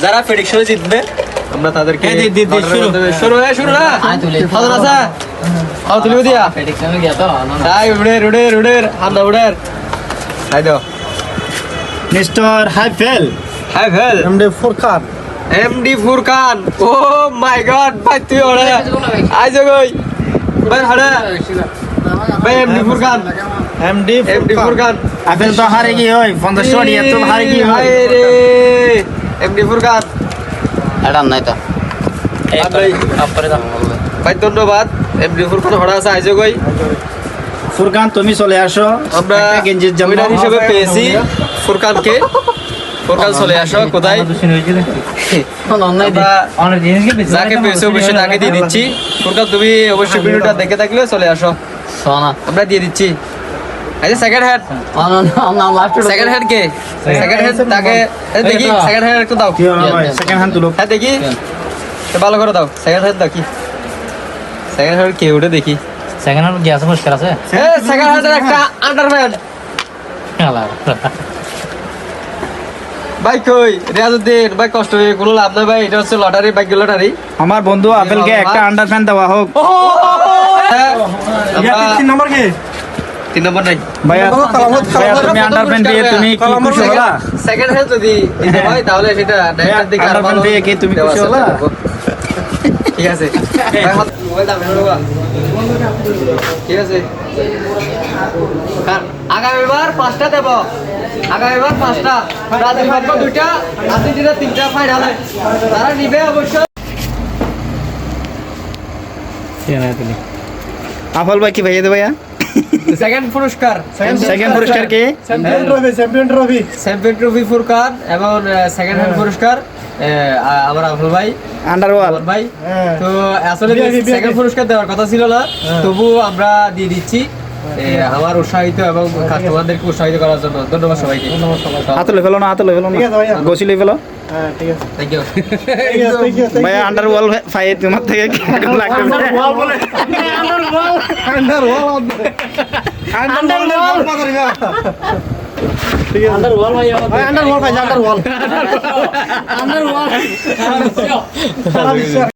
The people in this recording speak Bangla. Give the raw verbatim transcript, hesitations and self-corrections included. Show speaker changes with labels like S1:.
S1: যারা প্রেডিকশনে জিতবে আমরা তাদেরকে শুরু হয়ে শুরু না হাজার আছে আও তুলি দিয়া
S2: প্রেডিকশনে গিয়া তো
S1: তাই উড়ে উড়ে উড়ে হামদা উড়ে তাই দাও
S3: মিস্টার হাইফেল
S1: হাইফেল
S3: এমডি ফুরকান
S1: এমডি ফুরকান ও মাই গড ভাই তুই ওরে আইজ কই ভাই হাড়া ভাই MD Furkan
S3: MD
S1: MD Furkan
S3: apple তো হারে কি হয় পঞ্চাশ টাকা তো হারে কি হয়
S1: রে এমডি ফুরকান
S2: এটা নাই তো
S1: ভাই
S2: আপরে দাম বলবে
S1: ভাই ধন্যবাদ এমডি ফুরকান হড়া আছে আইজ কই
S3: ফুরকান তুমি চলে আসো
S1: আমরা
S3: গেঞ্জির জন্য
S1: উইনার হিসেবে পেয়েছি ফুরকানকে ফুরকান চলে আসো কোথায়
S2: অনলাইন
S1: আমরা যাকে পেয়েছো অবশ্যই তাকে দিয়ে দিচ্ছি ফুরকান তুমি অবশ্যই ভিডিওটা দেখে থাকলে চলে আসো
S2: সোনা
S1: আমরা দিয়ে দিচ্ছি আচ্ছা second hand
S2: on on last
S1: second hand কে সেকেন্ড হ্যান্ড তাকে এই দেখি সেকেন্ড হ্যান্ড একটু দাও
S3: কি হলো ভাই সেকেন্ড হ্যান্ড তুলো
S1: হ্যাঁ দেখি তো ভালো করে দাও সেকেন্ড হ্যান্ড দাও কি সেকেন্ড হ্যান্ড কে ওটা দেখি
S2: সেকেন্ড হ্যান্ড গ্যাস মুশকিল আছে
S1: এ সেকেন্ড হ্যান্ডের একটা আন্ডারপ্যান্ট
S2: হ্যালো
S1: ভাই কই রিয়াজউদ্দিন ভাই কষ্ট হয়ে কোনো লাভ নাই ভাই এটা হচ্ছে লটারি বাইক লটারি
S3: আমার বন্ধু আপেলকে একটা আন্ডারপ্যান্ট দেওয়া হোক
S1: তিন নম্বর কি তিন নম্বর নাই
S3: ভাইয়া ভাইয়া তুমি আন্ডারপ্যান্ট দিয়ে তুমি কি খুশি হলা
S1: সেকেন্ড হ্যান্ড যদি দিতে হয় তাহলে সেটা নাইটার দিকে আর ভালো
S3: আন্ডারপ্যান্ট দিয়ে কি তুমি খুশি হলা
S1: ঠিক আছে ভাই হাত মোবাইল দাও না ঠিক আছে আগামীবার পাঁচটা দেব আগামীবার পাঁচটা রাতে ভাগ্য দুইটা রাতে দিনে তিনটা ফাইনাল তারা নিবে অবশ্যই
S3: আফল ভাই কি ভাইয়া দে ভাইয়া
S1: সেকেন্ড পুরস্কার
S3: সেকেন্ড পুরস্কার কে
S4: champion trophy champion trophy
S1: champion trophy Furkan এবং সেকেন্ড হ্যান্ড পুরস্কার আমার আফল ভাই
S3: আন্ডারওয়াল
S1: আফল ভাই তো আসলে সেকেন্ড পুরস্কার দেওয়ার কথা ছিল না তবু আমরা দিয়ে দিচ্ছি এ, আমার উৎসাহিত এবং কাস্টমারদেরকে উৎসাহিত করার জন্য ধন্যবাদ সবাইকে
S3: হাতে লই ফেলো না হাতে লই ফেলো না
S4: ঠিক আছে ভাইয়া।
S3: গোসি লই ফেলো
S4: হ্যাঁ ঠিক আছে
S1: থ্যাংক ইউ
S4: ঠিক আছে থ্যাংক ইউ
S3: ভাইয়া আন্ডারওয়াল ফাই তোমার থেকে কেমন লাগবে
S4: ওয়াল বলে under wall under wall under wall ঠিক আছে
S2: আন্ডার ওয়াল ভাই
S4: ভাই আন্ডার ওয়াল ভাই আন্ডার ওয়াল
S2: আন্ডার ওয়াল
S4: সারা বিশ্ব